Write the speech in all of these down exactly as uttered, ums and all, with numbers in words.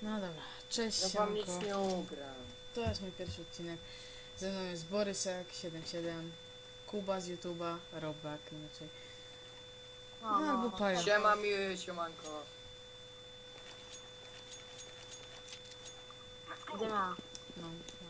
No dobra, cześć, Ja wam nic siemanko. nie ugram. To jest mój pierwszy odcinek. Ze mną jest Borysek siedem siedem, Kuba z YouTube'a, Robak inaczej. No, No, albo Paja. Siema miły, siemanko. Gdzie miała? No, no.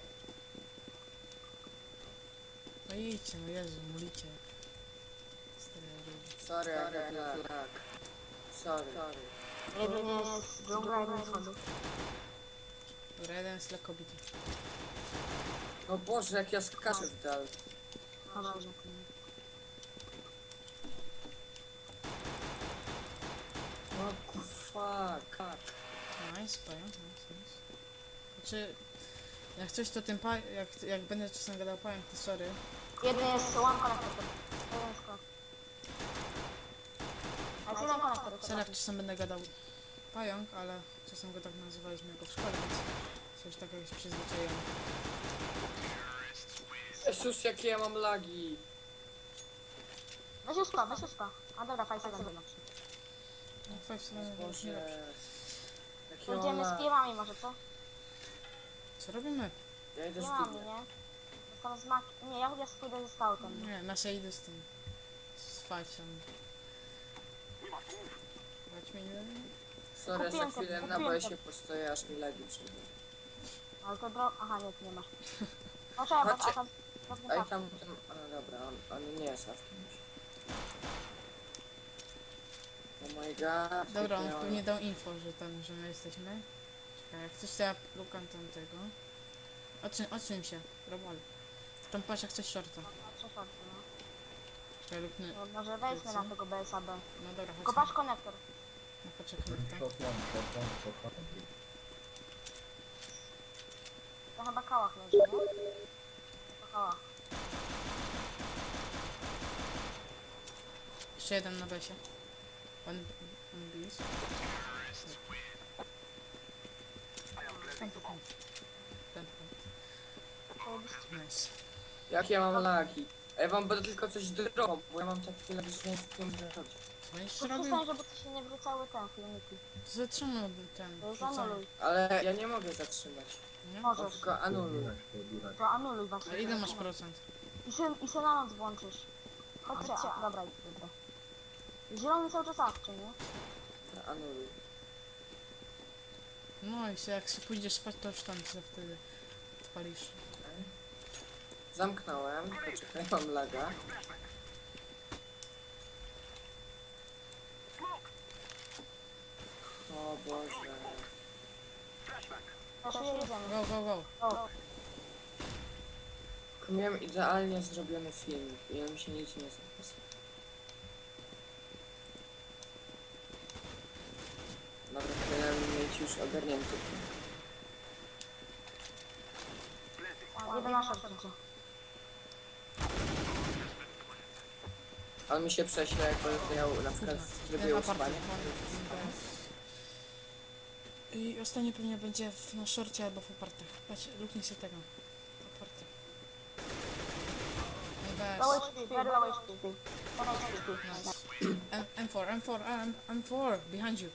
No idźcie, no Jezu, mulicie. Stary ludzie. Sorry, Sorry lag, lag. Sorry. Sorry. Jeden jest dżungla, jeden schody. Dobra, jeden jest dla kobiety. No Boże, jak ja skaczę w dal. Dobra, że No fuck. Nice, Paja, nice, nice. Znaczy, jak coś to tym pa... jak, jak będę czasem gadał Pajem, to sorry. jeden jest one konektor. Jeden jest konektor. A jest jeden konektor. Sorry, jak czasem będę gadał Pająk, ale czasem go tak nazywaliśmy jako w szkole, więc coś takiego się przyzwyczaiłem. Jezus, jakie ja mam lagi. Weź uspa, weź uspa. A dobra, fajnie sobie lepszy. No, five seven to już nie lepsze. Boże. Jakie mam Pójdziemy z lagi. piwami może, co? Co robimy? Ja idę z Piwami, dymem. nie? Tam z mak... Nie, ja ja pójdę ze scoutem. Nie, nasze idę z tym. Z five seven. Chodźmy, nie wiem. Sorry, za Kupiłem to, chwilę na kupiłem boję to. się postoję, aż mi lagi przyjdą. Ale to dro... Aha, nie, tu nie masz. No trzeba, bo Chodźcie. a tam... pewnie Ej, tak. tam, tam, a dobra, on, on nie jest awkiem już. Oh my god. Dobra, on jakie pewnie dał info, że tam, że my jesteśmy. Czekaj, jak coś to ja lukam tamtego. Odsuń, odsuń się, robal. Tam patrz jak coś shorta. Trzy shorty, no. Czekaj, luknę. No, może wejdźmy na tego B S A B. No dobra, Tylko chodźmy. patrz konektor. No poczekaj, tak? Shot one, shot one, shot one. To chyba kałach leży, nie? To kałach. Jeszcze jeden na besie. Pan, pan bis. Ten, ten. Ten, ten. Nice. Jak ja mam lagi? A ja wam będę tylko coś drogo, bo ja mam takie lagi, że nie wiem co robić. Co będziesz To robił? przestań, żeby ci się nie wrzucały te filmiki. Zatrzymał ten. To wrzucamy. zanuluj. Ale ja nie mogę zatrzymać. Nie? Mam Możesz. tylko anuluj. Pobierać, pobierać. To anuluj właśnie. A ile masz procent? I się, i się na noc włączysz. Chodźcie, a, dobra, idź, dobra. Zielony cały czas awczy, nie? Anuluj. No i się, jak się pójdziesz spać, to już tam się wtedy odpalisz. Zamknąłem. Poczekaj, mam laga. O Boże. Też jedziemy. Go, go, go. O, Tylko miałem idealnie zrobiony filmik i mi się nic nie zapisał. Dobra, powinienem mieć już ogarnięty. jeden na szorcie. On mi się prześle, jak będę miał na przykład w trybie Ten aparty. uspania. I ostatnie pewnie będzie w, na szorcie albo w opartach. Patrz, luknij sobie tego. Oparty. No Low bez. H P, very low H P. ten H P. Nice. M M4, M four, M, M4, behind you.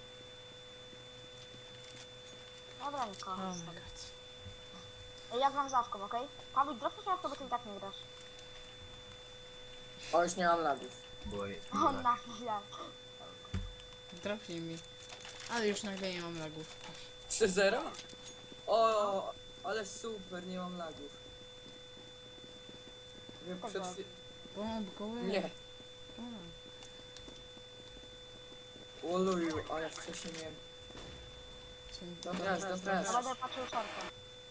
Dobra, Niko. Oh my god. Ej, ja gram z Awką, okej? Paweł, dropnij się, jak to, bo ty i tak nie grasz. O, już nie mam lagów. Bo O, na chwilę. Dropnij mi. Ale już nagle nie mam lagów. trzy zero? O, ale super, nie mam lagów. Wiem, przed chwil... Bomb, go away. Nie, Bomb. oluju, ale wcześniej miałem... Co- Dobra, dobra. Ja będę patrzył szortę.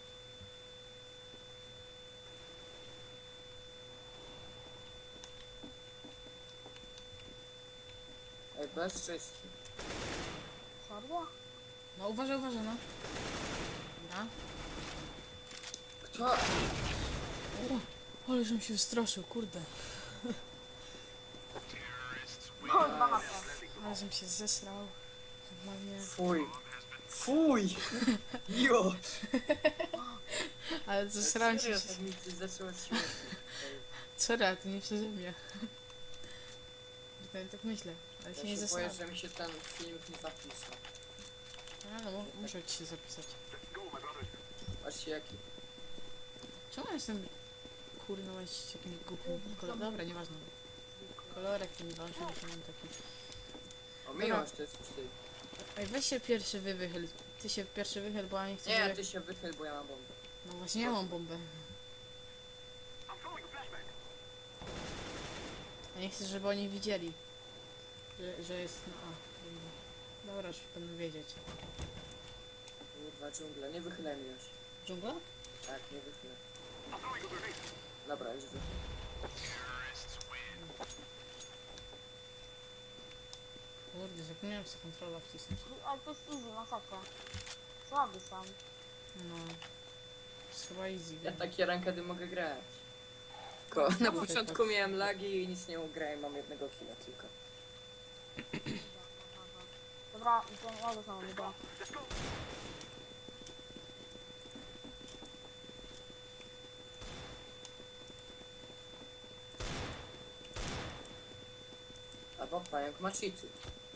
Ej, bez czystki. Serio? No uważaj, uważaj, no. Dobra. Kto? O, ale żebym się wystraszył, kurde. O, dwa H P. Ale żebym się zesrał. Normalnie. Fuj. Fuj! Jo! Ale zesrałem się. Serio, tak mi się zaczęło śmiać. Sorry, ale to nie przeze mnie. Tak, tak myślę, ale się Ja nie się boję, zesrałem. że mi się ten filmik nie zapisał. A, no, mu- muszę ci się zapisać. Patrzcie jaki. Czemu ja jestem kurno jakimś głupim kolorem? Dobra, nieważne. Kolorek ten ważny, że mam taki. O, miłość to jest ty. Ej, weź się pierwszy wy wychyl. Ty się pierwszy wychyl, bo ja nie chcę, Nie, żeby... ty się wychyl, bo ja mam bombę. No właśnie ja mam bombę. Ja nie chcę, żeby oni widzieli. Że, że jest... No, a, dobra. Dobra, już będą wiedzieć. Kurwa, dżungla, nie wychylaj mnie już. Dżungla? Tak, nie wychylaj. Dobra, już wychylaj. Kurde, zapomniałem sobie kontrola wcisnąć. Ale to jest easy, masakra. Słaby są. No. To jest chyba easy, Ja wiem. takie rankedy mogę grać. Ko na początku miałem lagi i nic nie ugrałem, mam jednego killa tylko. Dobra, ten ja go znowu idę. Albo pająk ma cheaty.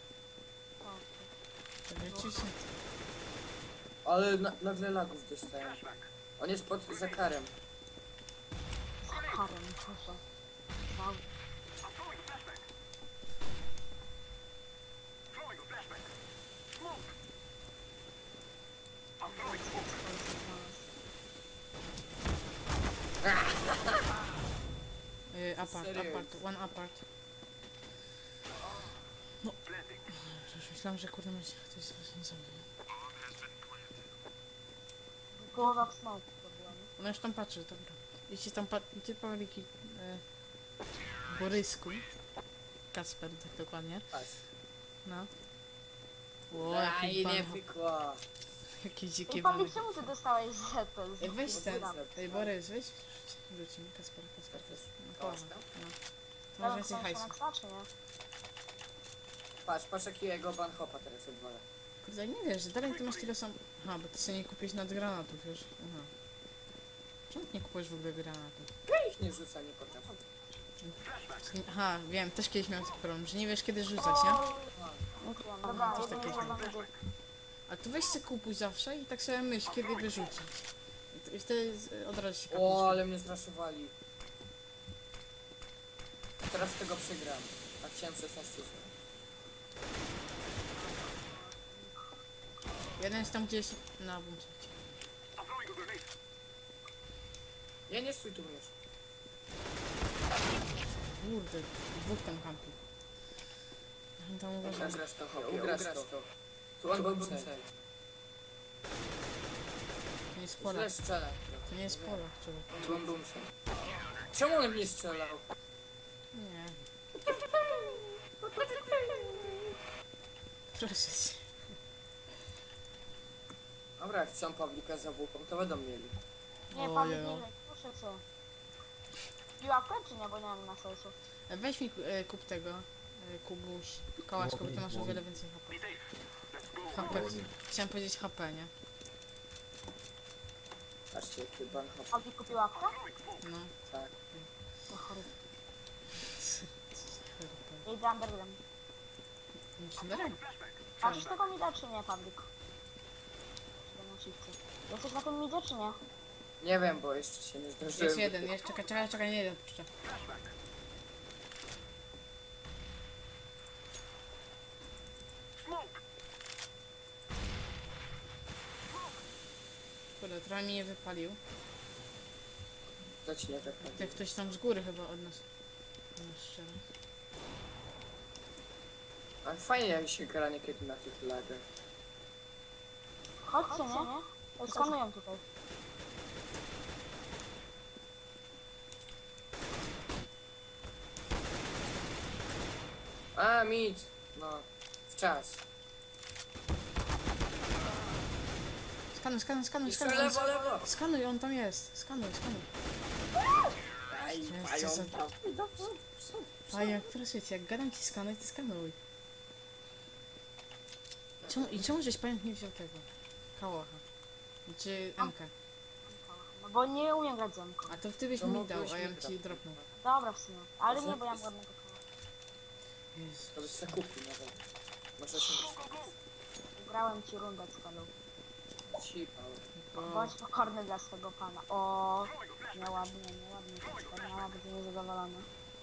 Rzeczywiście. Ale na nagle lagów dostałem. On jest pod zakarem. Karem, proszę. Wow. Y, apart, Serio? apart, one apart. No. Już myślałem, że kurde macie ktoś z was nie zrobił. Głowa w smoku to była, nie? No już tam patrzy, dobra. Jeśli tam pat... Ty Pawliki... E, Borysku. Kasper, tak dokładnie. Patrz. No. O, A jaki i nie pan... pykła. Jakie dzikie Ej, bany. Pawlik, czemu ty dostałeś zetę? Ej, weź ten. Dobra. Ej, Borys, weź. Rzuć, rzuć mi Kasper, Kasper. Chcesz? No, Kołasz połowa. tam? No. To masz więcej hajsu. Znaczy, nie? Patrz, patrz jakiego banhopa teraz odwala. Kurde, nie wiesz, dalej ty masz tyle sam... Aha, bo ty sobie nie kupiłeś nad granatów już. Aha. Czemu ty nie kupujesz w ogóle granatów? Ja ich nie rzuca, nie potrafię. Aha, wiem, też kiedyś miałem taki problem, że nie wiesz kiedy rzucać, nie? Dobra, Coś jeden takiego. jeden będzie. A tu weź se kupuj zawsze i tak sobie myśl, kiedy wyrzucić. I t- I wtedy z- od razu się O, kapisz. ale mnie zraszowali. Teraz tego przegram. A chciałem szesnaście zł. Jeden jest tam gdzieś na bumcie. Nie, nie stój tu już. Kurde, dwóch tam kampi. Ja tam uważam. Ugrasz to, ugrasz to. Tu on był cel. To nie jest pola. Źle strzela. To nie jest pola, człowiek. Tu on był cel. Czemu on mnie strzelał? Nie. Proszę cię. Dobra, jak chcą Pawlika za bułką, to będą mieli. Nie, Ojej. Pawlik, nie, proszę cię. Piłapkę czy nie, bo nie mam na sercu. E, Weź mi e, kup tego. E, Kubuś. Kołaczko, bo ty masz o wiele więcej H P. H P. Chciałem powiedzieć H P, nie? Patrzcie, jaki banhop. Pawlik kupił łapkę? No. Tak. No chory. H Idę underground. P. Muszę dalej. Patrzysz tego mida czy nie, Pawlik? Czy na shifcie? Jesteś na tym midzie czy nie? Nie wiem, bo jeszcze się nie zdążyłem. Jest jeden, jest, czekaj, czekaj, czekaj, nie jeden puszczę. Kurde, trochę mi nie wypalił. Zacznie tak. Jak ktoś tam z góry chyba od nas... Od nas strzela. Ale fajnie jak się gra niekiedy na tych lagach. Chodźcie, nie? Ej, skanują tutaj. A, mit! No, w czas. Skanuj, skanuj, skanuj, Jeszcze skanuj. lewo, lewo! Skanuj, on tam jest. Skanuj, skanuj. Aj, Jest, pająk. co za- A jak proszę cię, jak gadam ci skanuj, to skanuj. Czemu, I czemu żeś pająk nie wziął tego? Kałacha. Czy Emkę. No bo nie umiem grać zemką. A to ty byś To mi mógłbyś dał, a ja mi bym ci dać. dropnął. Dobra w sumie. Ale Może nie, bo ja mam jest- ładnego koła. Jezu. To byś se kupił nawet. Może się Grałem ci rundę z paną. Cipa. Bo... Bądź pokorny dla swego pana. O, nieładnie, nieładnie. Pana będzie niezadowolony.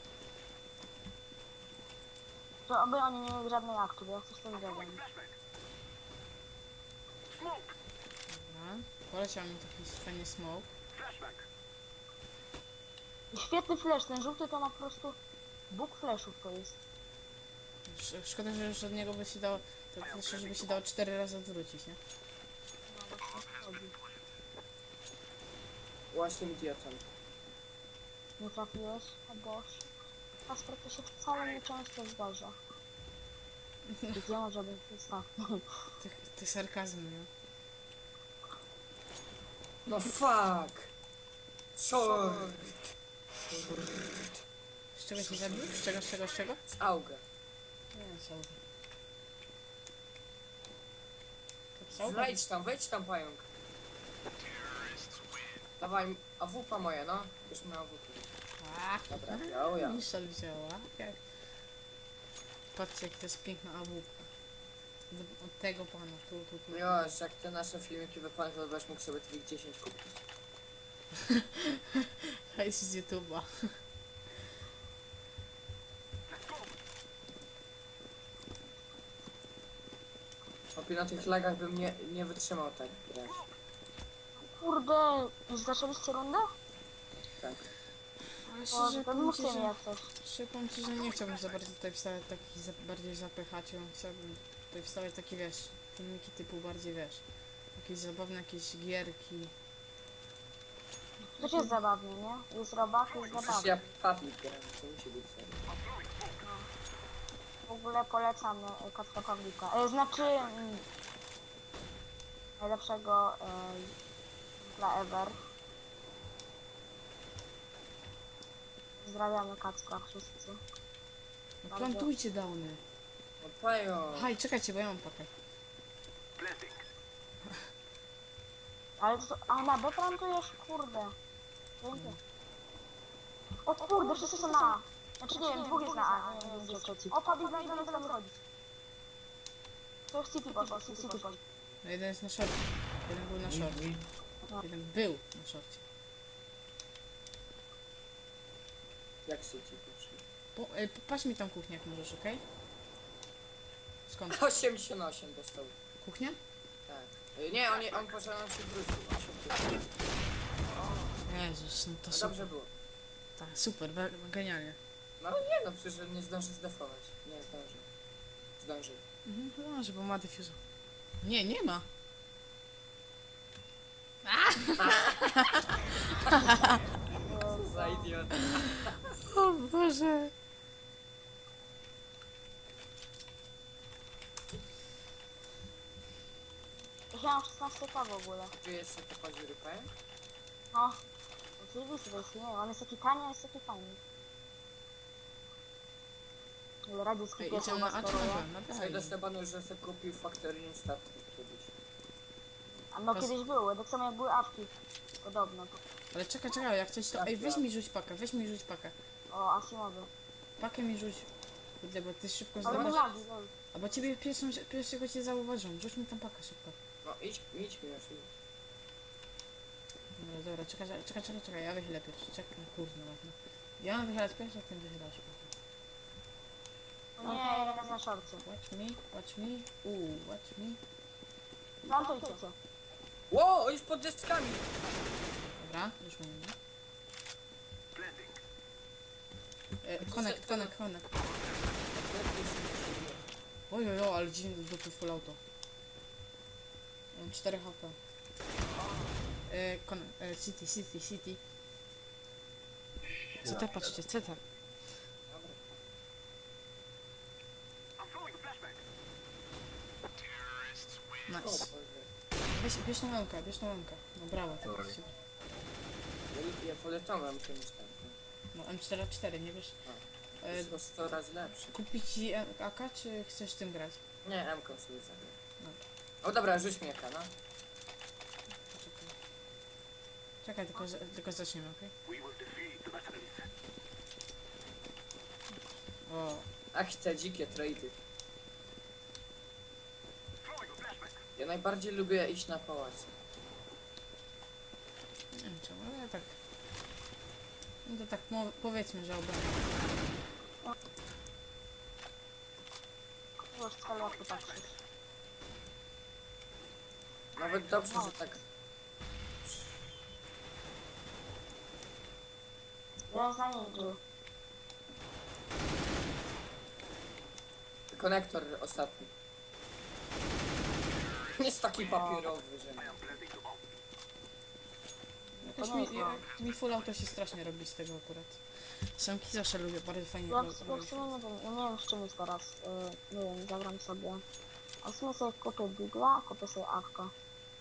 To oby oni nie mieli żadnej aktu, bo ja chcę z tym zrobić. Dobra. Poleciał mi taki fajny smoke. I świetny flash, ten żółty to ma po prostu bóg flashów to jest. Sz- Szkoda, że już od niego by się dało, tak jeszcze, żeby się dało cztery razy odwrócić, nie? No właśnie o to chodzi. Właśnie idiotą. Nie trafiłeś? O Boże. Kasper, to się wcale nie często zdarza. Gdzie może być ostatni? Ty, ty sarkazm, nie? No fuck! Co? Z czego się zabił? Z czego, z czego, z czego? Z auga. Nie, co? To psał? Wejdź tam, wejdź tam, pająk. Dawaj, a wupa moja, no. Już miała wupę. A, Dobra, wziął ja. Michel wzięła. Jak? Patrzcie, jak to jest piękna awupa. Od- Od tego pana, tu, tu, tu. Już, jak te nasze filmiki wypadną, to będziesz mógł sobie tych dziesięć kupić. Hejs z YouTube'a. Opie na tych lagach bym nie, nie wytrzymał tak grać. Kurde, już zaczęliście rundę? Tak. Ale O, szczerze to powiem ci, mówcie mi że, jak coś. szczerze powiem ci, że nie chciałbym za bardzo tutaj wstawiać takich za, bardziej zapychaczy. Chciałbym tutaj wstawiać takie, wiesz, filmiki typu bardziej, wiesz, jakieś zabawne jakieś gierki. To jest zabawnie, nie? Jest robak, jest Przecież zabawny. ja Pawlik gram, to musi być serio. W ogóle polecam e, Kacpra Pawlika. E, znaczy... Mm, najlepszego e, dla Ever. Pozdrawiamy Kacpra wszyscy. No plantujcie downy. No pająk! Haj, czekajcie, bo ja mam pakę. Ale to... A na B plantujesz? Kurde. Dzięki. O kurde, wszyscy są na A. Znaczy nie wiem, dwóch jest na A. Nie, nie wiem, gdzie jest trzeci. O, Pawlik na jeden tam chodzić. To już City poszło, City poszło. No jeden jest na szorcie. Jeden był na szorcie. Jeden był na szorcie. Jak się ci poszli? Po, e, patrz mi tam kuchnię, jak możesz, okej? Skąd? osiemdziesiąt osiem dostał. Kuchnia? Tak. Y, Nie, on, nie, on poszedł, on się wrócił. On się wrócił. Jezus, no to No super. dobrze było. Tak, super, be- genialnie. No ale nie, no przecież nie zdąży zdefować. Nie zdąży. Zdąży. Mhm, no może, bo ma diffuser. Nie, nie ma. Co za idiota. O Boże. Ja mam szesnaście K w ogóle. Tu jest to paździery pająk? No. Oczywiście, to jest nie on jest taki tani, a jest taki fajny. Ale radziecki Ej, pies idziemy na A czy na steruje. B? Na Sobie B. dostępano, że sobie kupił Factory Statki kiedyś. A no Pas- kiedyś były, tak samo jak były awki. Podobno. Ale czekaj, czekaj, jak coś to... Ej, weź mi rzuć pakę, weź mi rzuć pakę. O, Asimowy. Pakę mi rzuć. Kurde, bo ty szybko Ale nie zdobywasz. lagi, lol. A bo ciebie pierwszą, pierwszego cię zauważą. Rzuć mi tam pakę szybko. No idź, idź mi już, idź. Dobra, dobra, czekaj, czekaj, czekaj, czekaj, ja wychylę pierwszy. Czekaj, kurde, ładno. Ja mam wychylać pierwszy, a ty wychylasz. O nie, jeden jest na szorcie. Watch me, watch me, uuu, watch me. Plantujcie cię. Ło, on jest pod deskami! Dobra, już mówię. E, connect, connect, connect. Ojojo, ale dziwnie do dupy full auto. Mam cztery H P. E, connect, e, city, city, city. C T, patrzcie, C T. O Nice. Boże. Weź, bierz tą łąkę, bierz tą łąkę. No brawo, tak Sorry. jest super. Ja, ja polecam czymś tam. No M cztery cztery, nie wiesz? To E, jest o sto razy lepszy. kupić ci A K, czy chcesz tym grać? Nie, M-ką sobie zagram. Dobra. O dobra, rzuć mi jaka, no. Poczekaj. Czekaj, tylko, za- tylko zaczniemy, okej? O, Ach, te dzikie trady. najbardziej lubię iść na pałac. Nie wiem czemu, ale tak... No to tak mo- powiedzmy, że obronię. Już celu jak ty patrzysz. Nawet dobrze, że tak... Jest na ninja. Konektor ostatni. Jest taki papierowy, że... Jakoś To nie mi, jest jak mi full auto się strasznie robi z tego akurat. Samki zawsze lubię, bardzo fajnie Ja, ro- w- ja w robić. sumie nie wiem, ja nie wiem z czym jest teraz. Y, nie wiem, zagram sobie. A w sumie sobie kupię Bigla, kupię sobie awkę.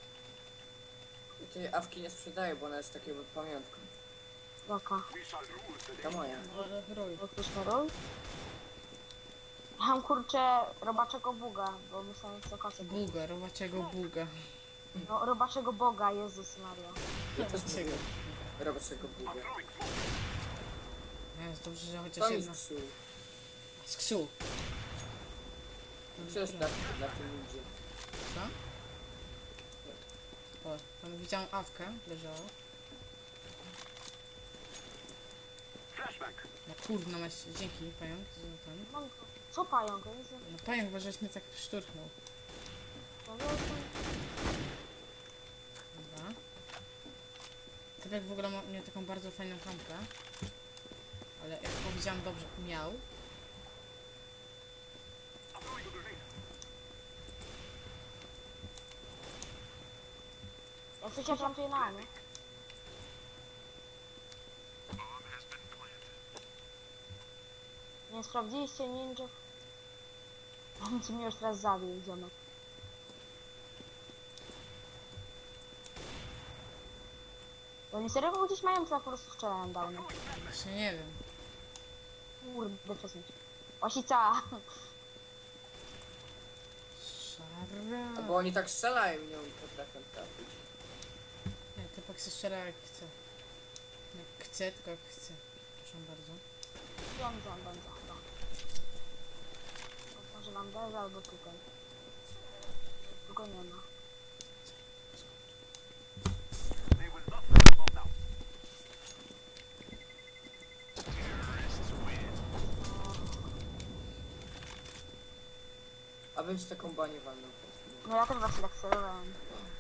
I tej awki nie sprzedaję, bo ona jest taką pamiątką. Jaka? Ta moja. Ale rój. Elektryczny rój? Ja mam kurczę robaczego buga, bo myślałem co kasę. Buga, robaczego buga. No robaczego boga, Jezus Maria. Ja też Robaczego. mówię. Robię tego buga. Jest dobrze, że chociaż To jedna. jest psu. Z ksu. Co jest na, na tym ludzie? Co? O, tam widziałam awkę, leżała. No kurna, masz, dzięki pająk za ten. No, co pająk? Ja nic nie No pająk, bo żeś mnie tak szturchnął. no, ja jestem- Dobra. Typek w ogóle ma, miał taką bardzo fajną kampę. Ale jak powiedziałam dobrze, miał. Jak coś ja plantuję na, nie? Nie sprawdziliście ninja? On ci mnie już teraz zabił, ziomek. Oni serio go gdzieś mają, czy tak po prostu strzelają dawno? Właśnie nie wiem. Kurde, przesuń się. Osica! Szara. A bo oni tak strzelają i nie potrafią trafić. Nie, typek się strzela jak chce. Jak chce, tylko jak chce. Proszę bardzo. Wiem, gdzie on będzie chyba. Może wam derze albo tutaj. Tu go nie ma. A bym z taką banię walnął. No ja też właśnie tak celowałem.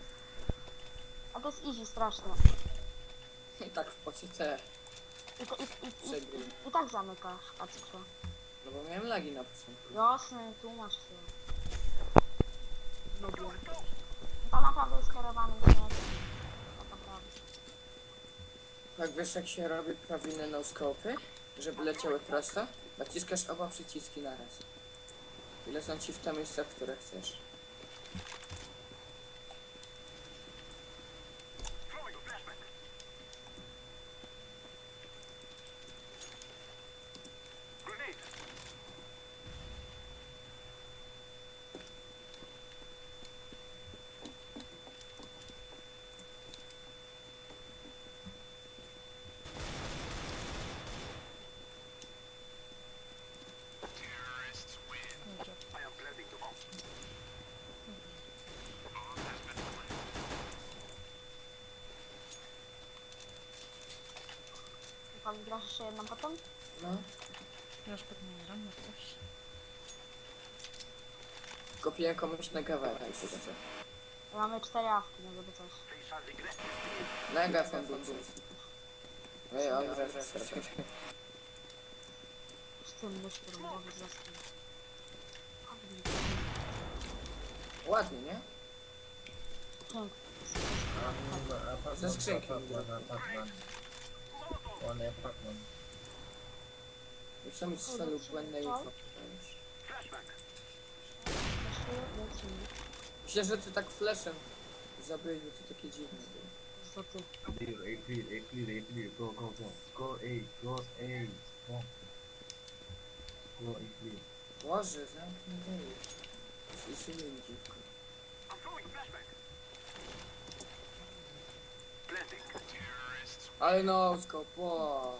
A to jest easy strasznie. I tak w pocyce I, to, i, i, i, przegry. i, i tak zamykasz, patrzcie. No bo miałem lagi na początku. Jasne, tłumacz się. Lubię. To naprawdę jest kierowany śmiech. Tak naprawdę. Tak wiesz jak się robi prawilne no-scopy? Żeby leciały prosto? Naciskasz oba przyciski naraz. I lecą ci w te miejsca, w które chcesz. Dobrze. Pan grasz jeszcze jedną potem? No. Już pewnie gram, jak coś. Kopiłem komuś na kawałek. Mamy cztery awki, nie żeby coś. Mega fan był. Ej, on wreszcie. Z tym myślę, że może zostać. Ładnie, nie? Pięknie. Ze skrzynki. On jest Pac-Man. Już są mi strzelił błędne info. już. Jeszcze lecimy. Myślę, że ty tak flashem zabyłeś, bo to takie dziwne było. Co ty? Clear, A clear, A clear, A clear. Go, go, go. Go A, go A. Go. Go A clear. Boże, zamknij dej. Zisuję mi dziwko. Ale no, skop, wow.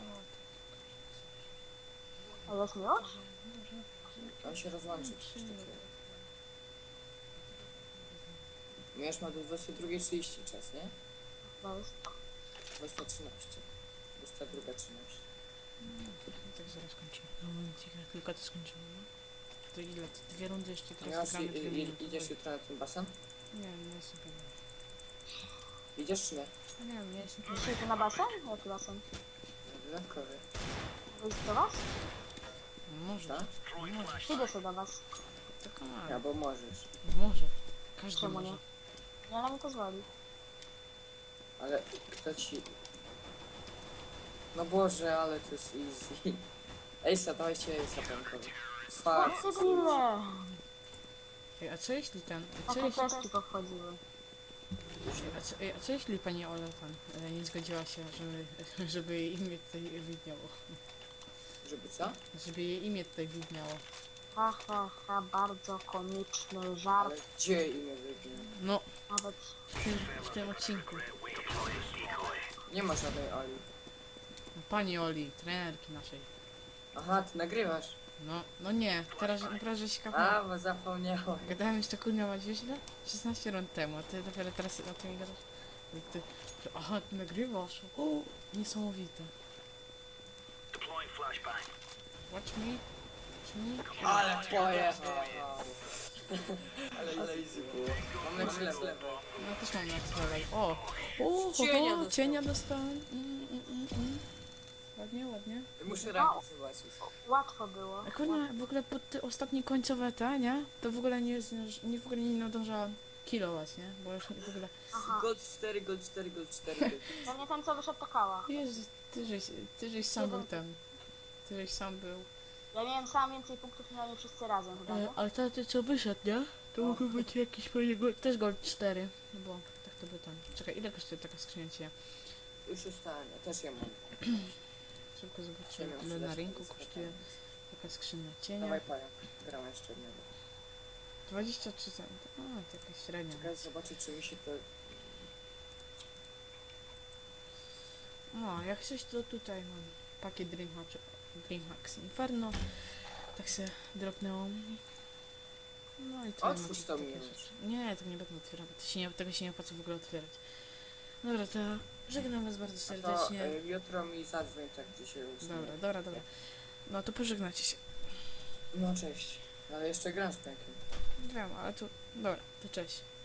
A jest mi już? On się rozłączy. Coś takiego. Miałeś ma do dwudziestej drugiej trzydzieści czas, nie? To jest. dwudziesta trzynaście. dwudziesta druga trzynaście. Tak zaraz kończymy. No momencik, jak tylko to skończymy. No. To ile? To dwie rundy jeszcze teraz Miałeś, gramy i, dwie i, minuty. idziesz jutro na ten basen? Nie wiem, nie jestem pewien. Idziesz czy nie? No nie wiem, nie jestem pewien. Czy ty na basen? Jaki basen? Dodatkowy. Wyjść do was? Może. Tak? Może. Idę sobie do was. Tylko Ja, mało. bo możesz. Może. Każdy Czemu może. nie? Nie na mi pozwoli. Ale kto ci... No Boże, ale to jest easy. Ejsa, dawajcie Ejsa bankowy. O, Fuck. debile! Ej, a co jeśli ten... A co Takie jeśli... teczki powchodziły. A co, ej, a co jeśli pani Ola tam e, nie zgodziła się, żeby, żeby jej imię tutaj widniało? Żeby co? Żeby jej imię tutaj widniało. Ha, ha, ha, bardzo komiczny żart. Ale gdzie imię wybił? No, Nawet w tym, w tym odcinku. Nie ma żadnej Oli. No, pani Oli, trenerki naszej. Aha, ty nagrywasz. No, no nie, teraz, teraz żeś A, kapnął. bo zapomniałem. Gadałem już to kurnia ma źle? szesnaście rund temu, a ty dopiero teraz o tym gadasz. I ty, że, aha, ty nagrywasz. O, niesamowite. Watch me. Watch me. Ale pojechał. Ale easy było. Mam lepszy level. No też mam next level. O! O, Cienia o, dostałem. cienia dostałem. Mm, mm, mm, mm. Ładnie, ładnie. Muszę rankę zobaczyć. łatwo było. A kurna, w ogóle pod te ostatnie końcowe te, nie? To w ogóle nie, nie w ogóle nie nadąża kilować, nie? Bo już w ogóle... Aha. Gold cztery, gold cztery, gold cztery. gold. To nie ten, co wyszedł do kała. Jezu, ty żeś, ty żeś sam był ten. Ty żeś sam był. Ja miałem sam więcej punktów niż oni wszyscy razem chyba, E, nie? ale to ty co wyszedł, nie? To No. mógł być jakiś pewnie go, też gold cztery. No bo tak to by tam. Czekaj, ile kosztuje taka skrzynia cienia? Już ustałem, ja też je mam. Szybko zobaczymy, Ciemię ile przydać na mi rynku z kosztuje taka skrzynia cienia. Dawaj paja. Gram jeszcze jednego. dwadzieścia trzy centy. A, to jakaś średnia. Czekaj, zobaczę czy mi się to... No, jak coś to tutaj mam pakiet Dreamhack, Dreamhacks Inferno. Tak się dropnęło. No i tyle. Otwórz macie to takie mi rzeczy. już. Nie, tego nie będę otwierał, bo to się nie, tego się nie opłaca w ogóle otwierać. Dobra, to żegnam was bardzo To serdecznie. y, jutro mi zadzwoń tak dzisiaj usnę. Dobra, dobra, dobra. No to pożegnacie się. No cześć. Ale jeszcze gram z pękiem. Wiem, ale to... Dobra, to cześć.